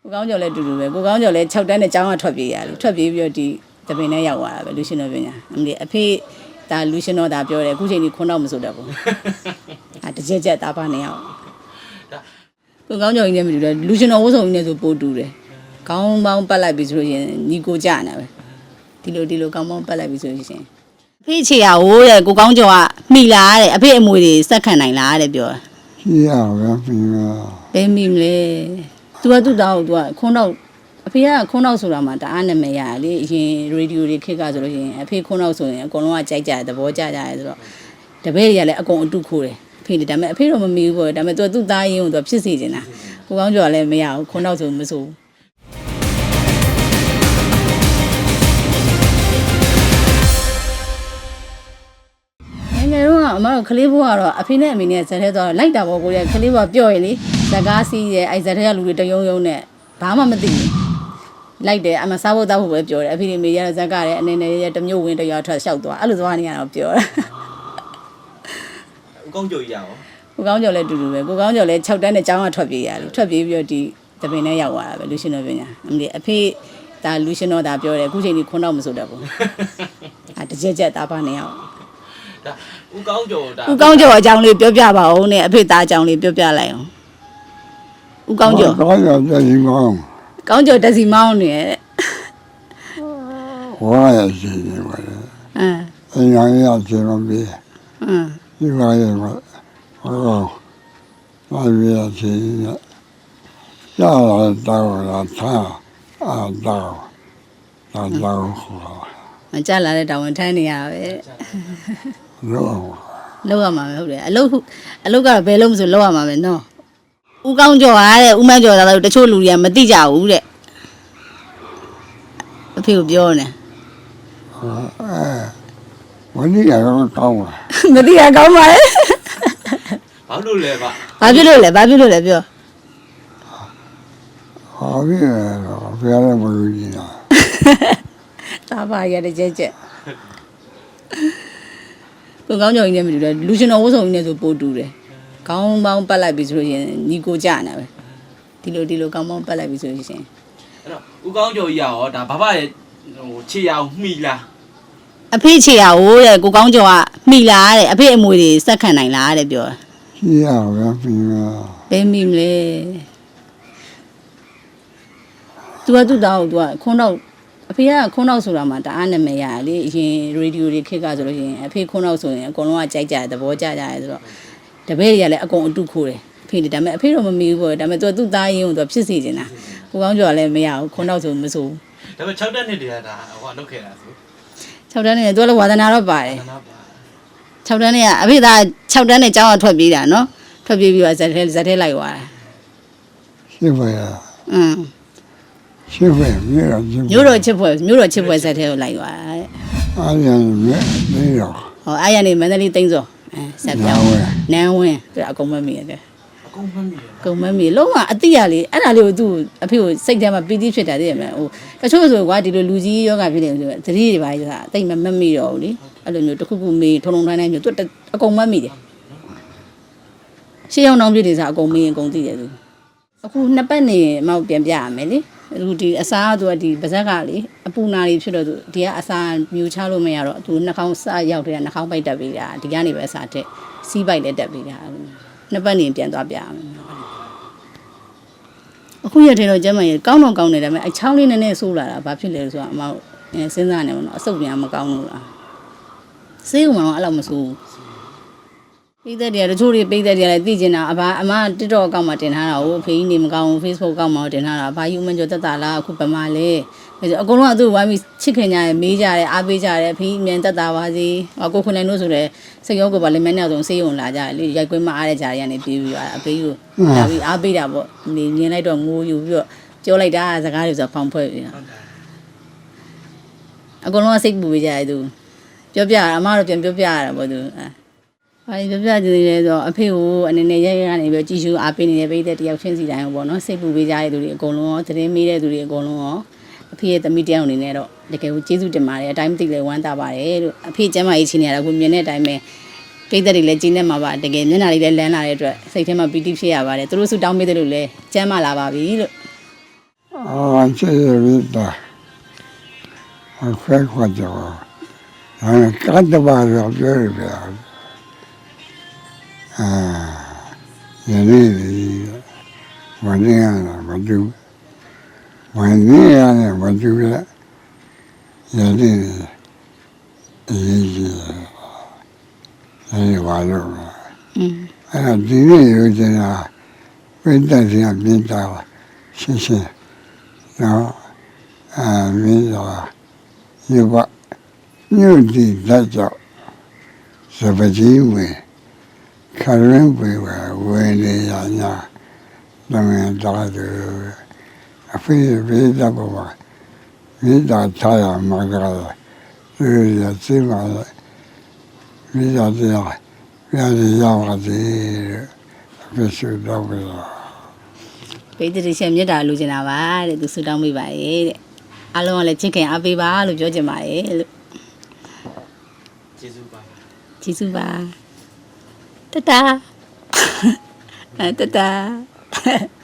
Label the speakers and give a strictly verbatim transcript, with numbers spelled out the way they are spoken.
Speaker 1: ကိုကောင်းကျော်လည်းတူတူပဲကိုကောင်းကျော်လည်း၆တန်းနဲ့ကျောင်းကထွက်ပြေးရတယ်ထွက်ပြေးပြီးတော့ဒီတပင်နဲ့ရောက်သွားတာပဲလူရှင်တော်ပညာအမလီအဖေဒါလူရှင်တော်ဒါပြောတယ်အခုချိန်ကြီးခွန်းတော့မစိုးတတ်ဘူးအဲတကြက်ကြက်သားပါနေအောင်ကိုကောင်းကျော်ကြီးနဲ့မတူတယ်လူရှင်တော်ဝတ်စုံကြီးနဲ့ဆိုပိုတူတယ်ခေါင်းပေါင်းပတ်လိုက်ပြီဆိုလို့ရင်ညီကိုကြနေပဲဒီလိုဒီလိုခေါင်းပေါင်းပတ်လိုက်ပြီဆိုလို့ရှင်အဖေချေရဟိုးတဲ့ကိုကောင်းကျော်ကမိလာတဲ့အဖေအမွေတွေစက်ခံနိုင်လားတဲ့ပြောတာ
Speaker 2: ရှိရပါပြီ
Speaker 1: ဘယ်မိမလဲ तू ကသူ့သားကို तू ကခွန်းတော့အဖေကခွန်းတော့ဆိုတာမှတအားနာမည်ရတယ်လေအရင်ရေဒီယိုတွေခက်ကဆိုလို့ရှိရင်အဖေခွန်းတော့ဆိုရင်အကုန်လုံးကကြိုက်ကြတယ်သဘောကျကြတယ်ဆိုတော့တပည့်တွေကလည်းအကုန်အတုခိုးတယ်အဖေဒါပေမဲ့အဖေတော့မမီဘူးပေါ့ဒါပေမဲ့ तू ကသူ့သားရင်းကို तू ဖြစ်စေချင်တာကိုကောင်းကျော်ကလည်းမရဘူးခွန်းတော့ဆိုမဆိုငယ်တော့အမတို့ကလေးဘွားကတော့အဖေနဲ့အမေနဲ့ဇက်ထဲသွားလိုက်တာပေါ့ကိုရဲ့ကလေးဘွားပြော့ရလေဇကားစီးရဲ့အဲ့ဇက်ထဲကလူတွေတယုံယုံနဲ့ဘာမှမသိဘူးလိုက်တယ်အမစားဖို့တောက်ဖို့ပဲပြောတယ်အဖေတွေမေရဇက်ကလည်းအနေနဲ့ရတမျိုးဝင်တရွာထွက်လျှောက်သွားအဲ့လိုသွားနေရတော့ပြောတာ
Speaker 3: ဦးကောင်းကျော်ကြီးရအောင်
Speaker 1: ကိုကောင်းကျော်လည်းတူတူပဲကိုကောင်းကျော်လည်း၆တန်းနဲ့ကျောင်းကထွက်ပြေးရတယ်ထွက်ပြေးပြီးတော့ဒီတပင်နဲ့ရောက်သွားတာပဲလူရှင်တော်ပညာအမလီအဖေဒါလူရှင်တော်ဒါပြောတယ်အခုချိန်ကြီးခွန်းတော့မစိုးတတ်ဘူးအဲတကြက်ကြက်သားပါနေအောင်
Speaker 3: ဒါဦးကောင်းကျော်ဒါ
Speaker 1: ဦးကောင်းကျော်အကြောင်းလေးပြောပြပါဦးနဲ့အဖေသားအကြောင်းလေးပြောပြလိုက်အောင်ဦးကောင်းကျော်
Speaker 2: ကောင်းကျော်တက်စီမောင်း
Speaker 1: ကောင်းကျော်တက်စီမောင်းနေရဲ့
Speaker 2: ဝါရရှိနေပါလေ
Speaker 1: အင်း
Speaker 2: အင်းရောင်ရချင်းမပြေ
Speaker 1: အင်း
Speaker 2: ဒီပါရဲ့ဟောဘာရချင်းရလာတော့လာသားအာတော့လာတော့ဟော
Speaker 1: မကြလာတဲ့တာဝန်ထမ်းနေရပဲ
Speaker 2: လော
Speaker 1: လောက်ရမှာပဲဟုတ်တယ်အလုတ်အလုတ်ကတော့ဘယ်လုံးမဆိုလောက်ရမှာပဲနော်ဦးကောင်းကျော်ကတဲ့ဦးမန်းကျော်သားတို့တချို့လူတွေကမသိကြဘူးတဲ့အဖေကိုပြောနေ
Speaker 2: အဲဝင်းရတော့ကောင်းပါ
Speaker 1: မသိရကောင်းပါလေ
Speaker 3: ဘာလို့လဲဗျ
Speaker 1: ဘာဖြစ်လို့လဲဘာဖြစ်လို့လဲပြော
Speaker 2: ဟောပြီတော့ဘယ်ရမလို့ကြီးတာ
Speaker 1: သားပါရတဲ့ကြက်ကြက်ကိုကောင်းကျော်ကြီးနဲ့မတူတယ်လူရှင်တော်ဝတ်စုံကြီးနဲ့ဆိုပိုတူတယ်ခေါင်းပေါင်းပတ်လိုက်ပြီဆိုလို့ရင်ညီကိုကြနေပဲဒီလိုဒီလိုခေါင်းပေါင်းပတ်လိုက်ပြီဆိုလို့ရှင်
Speaker 3: အဲ့တော့ဦးကောင်းကျော်ကြီးရောဒါဘာဘာရဲ့ဟိုခြေရအောင်မှီလား
Speaker 1: အဖေခြေရဟိုးတဲ့ကိုကောင်းကျော်ကမှီလာတဲ့အဖေအမွေတွေစက်ခံနိုင်လားတဲ့ပြောတာ
Speaker 2: ရှိရပါပြီ
Speaker 1: ဘယ်မိမလဲ तू ကသူ့သားကို तू ကခွန်းတော့အဖေကခွန်းတော့ဆိုတာမှတအားနာမည်ရတယ်လေအရင်ရေဒီယိုတွေခက်ကဆိုလို့ရှိရင်အဖေခွန်းတော့ဆိုရင်အကုန်လုံးကကြိုက်ကြတယ်သဘောကျကြတယ်ဆိုတော့တပည့်တွေကလည်းအကုန်အတုခိုးတယ်အဖေတွေဒါပေမဲ့အဖေတော့မမီဘူးပေါ့ဒါပေမဲ့ तू ကသူ့သားရင်းကို तू ဖြစ်စေချင်တာကိုကောင်းကျော်ကလည်းမရဘူးခွန်းတော့ဆိုမဆိုဘူး
Speaker 3: ဒါပေမဲ့၆တက်နှစ်တည်းကဒါဟိုကလုတ်ခဲ့တာဆို
Speaker 1: ၆တန်းနဲ့ तू လည်းဝါသနာတော့ပါတယ်၆တန်းနဲ့ကအဖေသား၆တန်းနဲ့ကျောင်းကထွက်ပြေးတာနော်ထွက်ပြေးပြီးတော့ဇက်ထဲဇက်ထဲလိုက်သွားတာ
Speaker 2: ရှိပါရ
Speaker 1: อืม
Speaker 2: ရှိပါ
Speaker 1: မြို့တော်ချစ်ဖွဲ့မြို့တော်ချစ်ဖွဲ့ဇက်ထဲကိုလိုက်သွားတာ
Speaker 2: အားရနေနေရော
Speaker 1: ဟောအားရနေမန္တလေးသိန်းစောအဲဆက်ပြောင်းနန်းဝင်းသူအကုန်မမီရတယ်
Speaker 3: အကုန်မမီရ
Speaker 1: အကုန်မမီလုံးဝအတိရလေးအဲ့ဒါလေးကိုသူ့အဖေကိုစိတ်ထဲမှာပီတိဖြစ်တာသိရမလားဟိုတချို့ဆိုကွာဒီလိုလူကြီးယောဂဖြစ်နေဆိုသတိတွေပါဆိုတာအသိမမမီတော့ဘူးလေအဲ့လိုမျိုးတစ်ခုခုမေးထုံထုံတိုင်းတိုင်းမျိုးသူအကုန်မမီတယ်ရှေးအောင်အောင်ပြည့်တွေစားအကုန်မေးရင်အကုန်သိတယ်သူအခုနှစ်ပတ်နေမောက်ပြန်ပြရမယ်လေသူဒီအစားကသူကဒီပါဇက်ကလေအပူနာတွေဖြစ်တော့သူဒီကအစားမြူချလို့မရတော့သူနှာခေါင်းစရောက်တဲ့နှာခေါင်းပိုက်တက်ပြီးတာဒီကနေပဲအစားတက်စီးပိုက်လည်းတက်ပြီးတာနှစ်ပတ်နေပြန်သွားပြရမယ်အခုရတဲ့တော့ကျမကြီးကောင်းတော့ကောင်းနေတယ်ဒါပေမဲ့အချောင်းလေးနည်းနည်းဆိုးလာတာဘာဖြစ်လဲဆိုတော့အမစဉ်းစားနေမှာတော့အဆုပ်ပြန်မကောင်းလို့လားဆေးဥမှာတော့အဲ့လိုမဆိုးပိသက်တွေကတချို့တွေပိသက်တွေကလည်းသိကျင်တာအဘအမ TikTok အကောင့်မှာတင်ထားတာကိုဖေးကြီးနေမကောင်းဘူး Facebook အကောင့်မှာတင်ထားတာဘာယူမကျော်တက်တာလားအခုဗမာလဲအကုန်လုံးကသူ့ဝိုင်းပြီးချစ်ခင်ကြတယ်မေးကြတယ်အားပေးကြတယ်ဖေးအမြန်တက်တာပါစေကိုခွန်နိုင်တို့ဆိုလည်းစိတ်ရောကိုပါလိမ့်မယ်နဲ့ဆိုဆေးရုံလာကြတယ်လေရိုက်ကွင်းမအားတဲ့ကြားရကနေပြေးပြီးသွားတာအဖေကြီးကိုလာပြီးအားပေးတာပေါ့နေမြင်လိုက်တော့ငိုယူပြီးတော့ပြောလိုက်တာစကားတွေဆိုဖောင်ဖွဲ့ပြီးတာအကုန်လုံးကစိတ်ပူပေးကြတယ်သူပြောပြအမတို့ပြန်ပြောပြရတာပေါ့သူဘာပြောပြကြည့်လဲဆိုတော့အဖေကိုအနေနဲ့ရဲရဲကနေပြီးကြည်ရှူအားပေးနေတဲ့ပိတ်တဲ့တယောက်ချင်းစီတိုင်းပေါ့နော်စိတ်ပူပေးကြတဲ့သူတွေအကုန်လုံးရောသတင်းမေးတဲ့သူတွေအကုန်လုံးရောအဖေရဲ့သမီးတယောက်အနေနဲ့တော့တကယ်ကိုကျေးဇူးတင်ပါတယ်အတိုင်းမသိလဲဝမ်းသာပါတယ်လို့အဖေကျမ်းမာရေးချင်းနေရတာကိုမြင်တဲ့အတိုင်းပဲပိတ်တဲ့တွေလည်းကျင်းနေမှာပါတကယ်မျက်နှာလေးလည်းလန်းလာတဲ့အတွက်စိတ်ထဲမှာပီတိဖြစ်ရပါတယ်သူတို့ဆုတောင်းပေးတယ်လို့လည်းကျမ်းမာလာပါပြီလို့
Speaker 2: အာချေရတာအခွဲခွက်ကြောအဲကတ်တပါရောပြောရပြအာယနေ့ဝန်ရတာမတူဝန်ရရတယ်မတူရယနေ့အရေးကြီးအဲဒီဘာလို့
Speaker 1: อืม
Speaker 2: အဲ့ဒီနေ့ရိုးချင်တာပြိတ္တစီကပြင်းတာရှင်းရှင်းနော်အာမင်းတော်ဒီဘညွတ်ဒီလက်ကြောင့်စပကြီးဝင်ခရင်းပွေဝဝယ်နေရညာတမန်တော်သူအဖေပြိတ္တဘဝမိသားချာမှာကြတယ်သူရစီမှာမိသားတရားပြန်ရပါစေအဖေစုတော့ပြီလား
Speaker 1: ပိတ်တိရှင်မြတ်တာလူချင်တာပါတဲ့သူဆူတောင်းပေးပါရဲ့တဲ့အားလုံးကလည်းချစ်ခင်အားပေးပါလို့ပြောချင်ပါရဲ့လို့
Speaker 3: ကျေးဇူးပါ
Speaker 1: ကျေးဇူးပါတတာအဲတတာ